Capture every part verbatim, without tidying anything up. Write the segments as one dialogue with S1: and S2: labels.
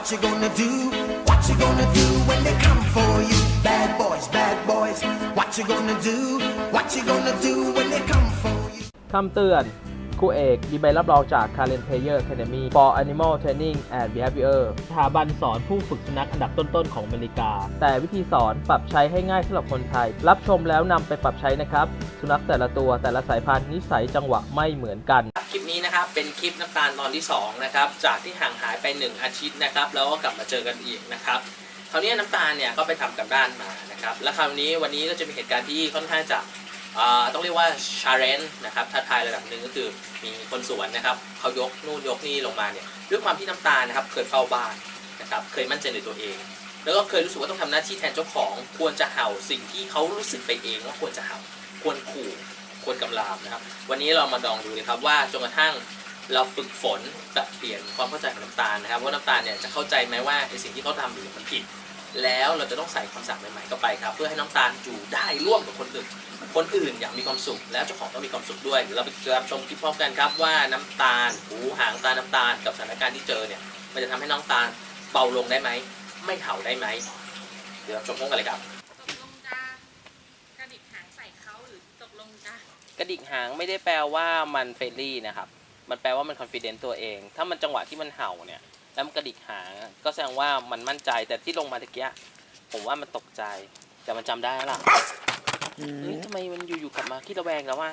S1: What you gonna do? What you gonna do when they come for you? Bad boys, bad boys. What you gonna do? What you gonna do when they come for you?
S2: คำเตือนครูเอกมีใบรับรองจาก Karen Player Academy for Animal Training and Behavior สถาบันสอนผู้ฝึกสุนัขอันดับต้นๆของอเมริกาแต่วิธีสอนปรับใช้ให้ง่ายสำหรับคนไทยรับชมแล้วนำไปปรับใช้นะครับสุนัขแต่ละตัวแต่ละสายพันธุ์นิสัยจังหวะไม่เหมือนกัน
S3: คลิปนี้นะครับเป็นคลิปน้ำตาลตอนที่สองนะครับจากที่ห่างหายไปหนึ่งอาทิตย์นะครับแล้วก็กลับมาเจอกันอีกนะครับคราวนี้น้ำตาลเนี่ยก็ไปทำกับด้านมานะครับและคราวนี้วันนี้ก็จะมีเหตุการณ์ที่ค่อนข้างจะต้องเรียกว่าชาเลนจ์นะครับท้าทายระดับหนึ่งก็คือมีคนสวนนะครับเขายกนู่นยกนี่ลงมาเนี่ยด้วยความที่น้ำตาลนะครับเคยเฝ้าบ้านนะครับเคยมั่นใจในตัวเองแล้วก็เคยรู้สึกว่าต้องทำหน้าที่แทนเจ้าของควรจะเห่าสิ่งที่เขารู้สึกไปเองว่าควรจะเห่าควรขู่ควรกำราบนะครับวันนี้เรามาลองดูเลยครับว่าจนกระทั่งเราฝึกฝนปรับเปลี่ยนความเข้าใจของน้ำตาลนะครับว่าน้ำตาลเนี่ยจะเข้าใจไหมว่าในสิ่งที่เขาทำอยู่มันผิดแล้วเราจะต้องใส่คำสั่งใหม่ๆเข้าไปครับเพื่อให้น้ำตาลอยู่ได้ร่วมกับคนอื่นคนอื่นอยากมีความสุขแล้วเจ้าของต้องมีความสุขด้วยเดี๋ยวเราไปรับชมคลิปพร้อมกันครับว่าน้ำตาลหูหางตาน้ำตาลกับสถานการณ์ที่เจอเนี่ยมันจะทำให้น้ำตาลเบาลงได้ไหมไม่เห่าได้ไหมเดี๋ยวชมพร้อมกันเลยครับ
S4: ตกลงจะกระดิกหางใส่เขาหรือตกลงจะ
S3: กระดิกหางไม่ได้แปลว่ามันเฟรนลี่นะครับมันแปลว่ามันคอนฟิเดนซ์ตัวเองถ้ามันจังหวะที่มันเห่าเนี่ยแล้วมันกระดิกหางก็แสดงว่ามันมั่นใจแต่ที่ลงมาตะเกียผมว่ามันตกใจแต่มันจำได้แล้วล่ะเฮ้ยทำไมมันอยู่ๆกลับมาขี้ระแวงแล้ววะ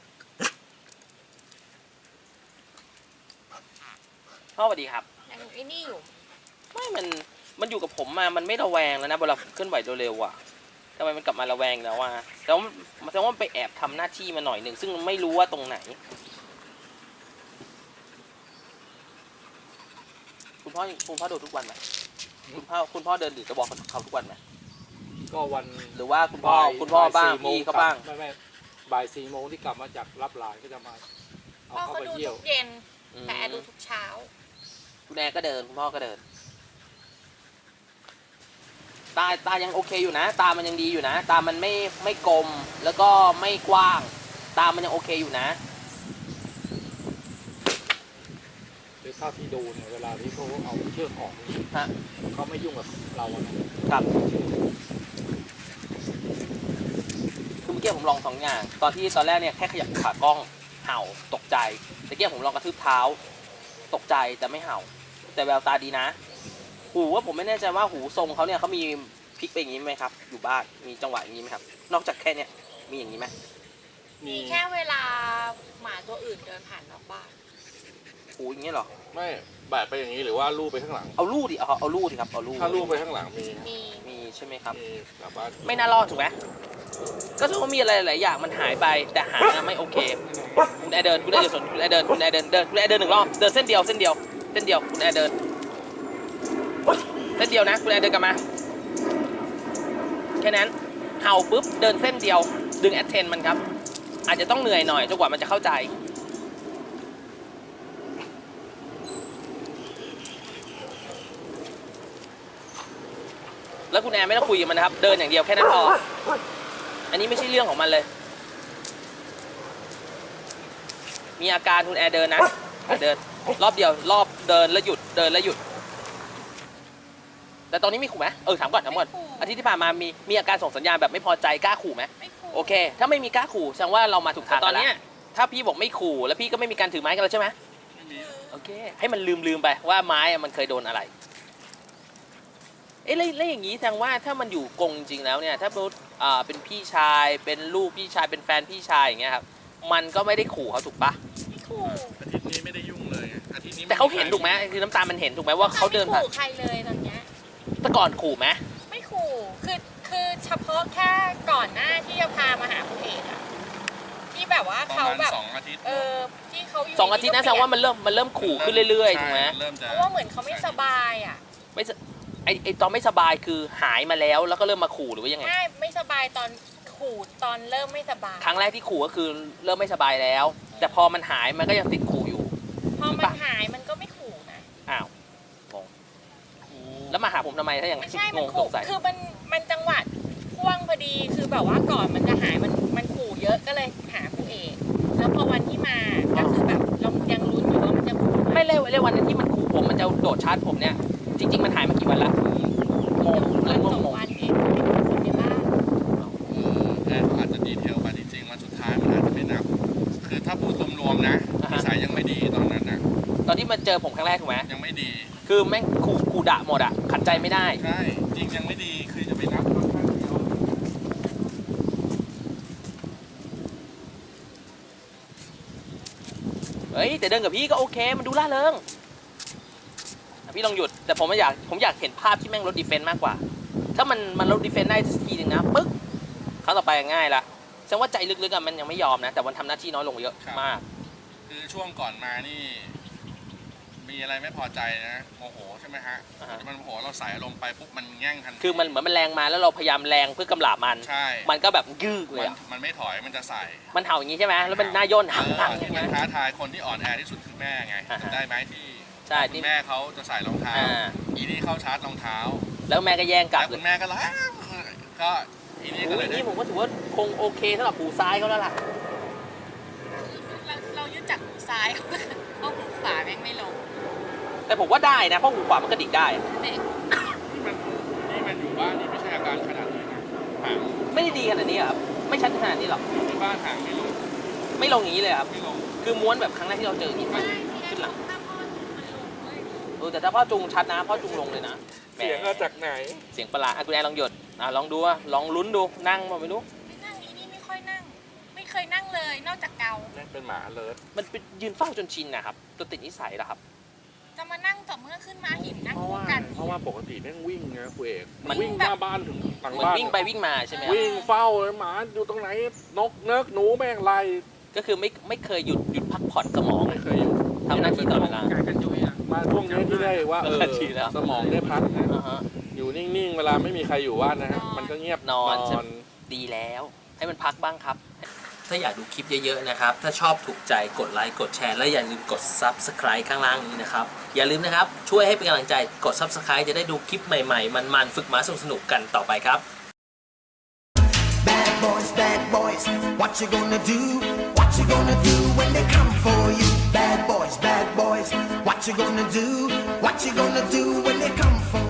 S3: พ่อสวัสดีครับ
S4: ยังไอ้นี่อยู่
S3: ไม่มันมันอยู่กับผมมามันไม่ระแวงแล้วนะเวลาเคลื่อนไหวเร็วๆอ่ะทำไมมันกลับมาระแวงแล้ววะแล้วมันแสดงว่ามันไปแอบทำหน้าที่มาหน่อยหนึ่งซึ่งไม่รู้ว่าตรงไหนคุณพ่อคุณพ่อดูทุกวันไหมคุณพ่อคุณพ่อเดินหรือจะบอกเขาทุกวันไหม
S5: ก็วัน
S3: หรือว่าคุณพ่อคุณพ่อบ้างพี่เขาบ้าง
S5: ไม่ไม่บ่ายสี่โมงที่กลับมาจากรับหลานก็จะมา
S4: เอาเข้าไปเยี่ยวเย็นแต่แอร์ดูทุกเช้า
S3: คุณแอร์ก็เดินคุณพ่อก็เดินตาตายังโอเคอยู่นะตามันยังดีอยู่นะตามันไม่ไม่กลมแล้วก็ไม่กว้างตามันยังโอเคอยู่นะ
S5: โดยเท่าที่ดูเนี่ยเวลาที่เขาเอาเชือกออก
S3: ฮะ
S5: เขาไม่ยุ่งกับเรานะครับ
S3: คือเมื่อกี้ผมลองสองอย่างตอนที่ตอนแรกเนี่ยแค่ขยับขากล้องเห่าตกใจแต่เมื่อกี้ผมลองกระทืบเท้าตกใจแต่ไม่เห่าแต่แววตาดีนะหูว่าผมไม่แน่ใจว่าหูทรงเขาเนี่ยเขามีพลิกไปอย่างนี้ไหมครับอยู่บ้านมีจังหวะอย่างนี้ไหมครับนอกจากแค่เนี้ยมีอย่างนี้ไหม
S4: มีแค่เวลาหมาตัวอื่นเดินผ่านนอกบ้าน
S3: หูอย่างนี้หรอ
S5: ไม่แบะไปอย่างนี้หรือว่าลู่ไปข้างหลัง
S3: เอาลู่ดิเอาเอาลู่ดิครับเอาลู่
S5: ถ้าลู่ไปข้างหลังมี
S4: มี
S3: มีใช่ไหมครับ
S5: มีแบบว่า
S3: ไม่น่ารอดถูกไหมก็ถือว่ามีอะไรหลายอย่างมันหายไปแต่หางไม่โอเคคุณแอร์เดินคุณแอร์เดินคุณแอร์เดินคุณแอร์เดินเดินคุณแอร์เดินหนึ่งรอบเดินเส้นเดียวเส้นเดียวเส้นเดียวคุณแอร์เดินเส้นเดียวนะคุณแอร์เดินกลับมาแค่นั้นเห่าปุ๊บเดินเส้นเดียวดึงแอทเทนมันครับอาจจะต้องเหนื่อยหน่อยจนกว่ามันจะเข้าใจแล้วคุณแอร์ไม่ต้องคุยกับมันนะครับเดินอย่างเดียวแค่นั้นพออันนี้ไม่ใช่เรื่องของมันเลยมีอาการคุณแอร์เดินนะเดินรอบเดียวรอบเดินแล้วหยุดเดินแล้วหยุดแต่ตอนนี้มีขู่ไหมเออถามก่อนถามก่อนอาทิตย์ที่ผ่านมามีมีอาการส่งสัญญาณแบบไม่พอใจกล้าขู่ไหม
S4: ไม่ขู่
S3: โอเคถ้าไม่มีกล้าขู่แสดงว่าเรามาถูกทางตอนนี้ถ้าพี่บอกไม่ขู่แล้วพี่ก็ไม่มีการถือไม้กันแล้วใช่ไหมไม่มีโอเคให้มันลืมลืมไปว่าไม้มันเคยโดนอะไรเอ๊ะแล้วอย่างนี้แสดงว่าถ้ามันอยู่กรงจริงๆแล้วเนี่ยถ้าเป็นอ่าเป็นพี่ชายเป็นลูกพี่ชายเป็นแฟนพี่ชายอย่างเงี้ยครับมันก็ไม่ได้ขู่เขาถูกปะ
S4: ไม่ขู่
S5: อาทิตย์นี้ไม่ได้ยุ่งเลยอาทิตย์นี้
S3: แต่เขาเห็นถูกไหมคือน้ำตาลมันเห็นถูกไหมว่าเขาเดินผ่าน
S4: ไม่ขู่ใครเลยตอนเนี้ย
S3: แต่ก่อนขู่ไหม
S4: ไม่ขู่คือคือเฉพาะแค่ก่อนหน้าที่จะพามาหาคุณเอกอะที่แบบว่าเขาแบบ
S5: สองอาทิตย์
S4: เออที่เขาอยู่
S3: สองอาทิตย์นะแสดงว่ามันเริ่มมันเริ่มขู่ขึ้นเรื่อยๆถูกไหม
S4: เพราะว่าเหมือนเขาไม่สบายอ่ะ
S3: ไม่ไอไอตอนไม่สบายคือหายมาแล้วแล้วก็เริ่มมาขู่หรือว่ายังไง
S4: ใช่ไม่สบายตอนขู่ตอนเริ่มไม่สบาย
S3: ครั้งแรกที่ขู่ก็คือเริ่มไม่สบายแล้วแต่พอมันหายมันก็ยังติดขู่อยู่
S4: พอมันหายมันก็ไม่ขู่นะ
S3: อ้าวงงแล้วมาหาผมทำไมถ้าอย่าง
S4: ไม่ใช่มันขู่คือมันมันจังหวะพ่วงพอดีคือแบบว่าก่อนมันจะหายมันมันขู่เยอะก็เลยหาคุณเอกแล้วพอวันที่มาก็คือแบบเรายังลุ้นอยู่ว่ามันจะขู่
S3: ไม่เร็วเร็ววันนั้นที่มันขู่ผมมันจะโดดชาร์จผมเนี่ยจริง ๆ มันหายมากี่วันละงงเริ่มง
S4: สอง
S3: ง
S4: วันเองคนในบ้าน
S6: เออแค่เขาอาจจะดีเทลไปจริงๆวันสุดท้ายมันอาจจะไม่นับ คือถ้าพูดรวมๆนะนิสัยยังไม่ดีตอนนั้นนะ
S3: ตอนที่มาเจอผมครั้งแรกถูกไหม
S6: ยังไม่ดี
S3: คือแม่งขู่ขู่ด่าหมดอ่ะขัดใจไม่ได้
S6: ใช่จริงยังไม่ดีคือจะไปนับค่อนข้างเดียว
S3: เฮ้ยแต่เดินกับพี่ก็โอเคมันดูล่าเริงอ่ะพี่ลองหยุดแต่ผมไม่อยากผมอยากเห็นภาพที่แม่งลดดีเฟนต์มากกว่า ถ้ามันมันลดดีเฟนต์ได้สักทีหนึ่งนะปึ๊กครั้งต่อไปง่ายละแสดงว่าใจลึกๆอะมันยังไม่ยอมนะแต่มันทำหน้าที่น้อยลงเยอะมาก
S6: คือช่วงก่อนมานี่ มีอะไรไม่พอใจนะโมโหใช่ไหมฮะ
S3: อ่าฮะ
S6: มันโมโหเราใส่อารมณ์ไปปุ๊บมันแง่งทันที
S3: คือมันเหมือนมันแรงมาแล้วเราพยายามแรงเพื่อกำลาบมัน
S6: ใช่
S3: มันก็แบบยืดเล
S6: มั
S3: ย
S6: น
S3: อะ
S6: มันไม่ถอยมันจะใส่
S3: มันเห่าอย่างนี้ใช่ไหมแล้วมันหน้าย่นหังหัง
S6: เออ
S3: ใช่
S6: ที่
S3: ไหม
S6: มันท้าทายคนที่อ่อนแอที่สุดคือแม่ไง
S3: อ่าฮะ
S6: ได้ไหมที่
S3: ใช่
S6: คุ
S3: ที่
S6: ณแม่เขาจะใส่รองเท้า
S3: อ่า
S6: อีนี่เข้าชาร์จรองเท้า
S3: แล้วแม่ก็แย่งกลับ
S6: แล้ว
S3: เล
S6: คุ
S3: ย
S6: ณแม่ก็ร้องก็อีนี่ก็
S3: อุ้
S6: เลย ยได้
S3: นี่ผมก็ถือว่าคงโอเคสำหรับหูซ้ายเขาแล้วล่ะ
S4: เราเรายึดจากหูซ้ายเพราะหูขวาแม่งไม่ลง
S3: แต่ผมว่าได้นะเพราะหูขวามันกระดิกได้
S4: เด็ก
S6: นี่มันนี่มันอยู่บ้านนี่ไม่ใช่อาการขนาดนี้นะห่าง
S3: ไม่ได้ดีขนาดนี้อะครับไม่ชัดขนาดนี้หรอก
S6: ที่บ้านห่างไม่ลง
S3: ไม่ลงอย่างนี้เลยครับ
S6: ไม่ลง
S3: คือม้วนแบบครั้งแรกที่เราเจอที่มันขึ้นหลัง
S4: ถ้าพ่อมันลงเว้ย
S3: เออแต่ถ้าพ่อจุงชัดนะพ่อจุงลงเลยนะแหม
S5: เสียงมาจากไหน
S3: เสียงประหลาดอ่ะคุณแอนลองหยดอ่ะลองดูอ่ะลองลุ้นดูนั่งมาไม่รู้
S4: ไม่นั่งอีนี่ไม่ค่อยนั่ง ไม่เคยนั่งเลย นอกจากเกา
S5: นี่เป็นหมาเลิศ
S3: มันเป็นยืนเฝ้าจนชินนะครับจนติดนิสัยแล้วครับ
S4: จะมานั่งต่อเมื่อขึ้นมาหินนั่ง
S5: เพราะ
S4: คู่
S5: ว่า
S4: กัน
S5: เพราะว่าปกติแม่งวิ่งนะคุณเอก
S3: มัน
S5: วิ่งหน้าบ้านถึงหลัง
S3: เหมือน
S5: บ้าน
S3: วิ่งไปวิ่งมาใช่ไหมครับ
S5: วิ่งเฝ้าเลยหมาอยู่ตรงไหนนกเนิกหนูแม่งไล่
S3: ก็คือไม่ไม่เคยหยุดหยุดพักผ่อนสมอง
S5: ไม่เคยอยู่
S3: ทำหน้าที่ตลอดเวลา
S5: การกันจุยอ่ะมาช่วงนี้ที่ได้ว่าเออ
S3: ดีแล้ว
S5: สมองได้พักนะ
S3: อ่าฮะ
S5: อยู่นิ่งๆ เวลาไม่มีใครอยู่บ้านนะฮะมันก็เงียบ
S3: นอนใช่ไหม ดีแล้วให้มันพักบ้างครับ ถ้าอยากดูคลิปเยอะๆนะครับ ถ้าชอบถูกใจกดไลค์กดแชร์และอย่าลืมกด ซับสไครบ์ ข้างล่างนี้นะครับ อย่าลืมนะครับช่วยให้เป็นกำลังใจกด ซับสไครบ์ จะได้ดูคลิปใหม่ๆมันๆฝึกม้าสนุกๆกันต่อไปครับ
S1: Bad boys, bad boys, what you gonna do? What you gonna do when they come for you? Bad boys, bad boys, what you gonna do? What you gonna do when they come for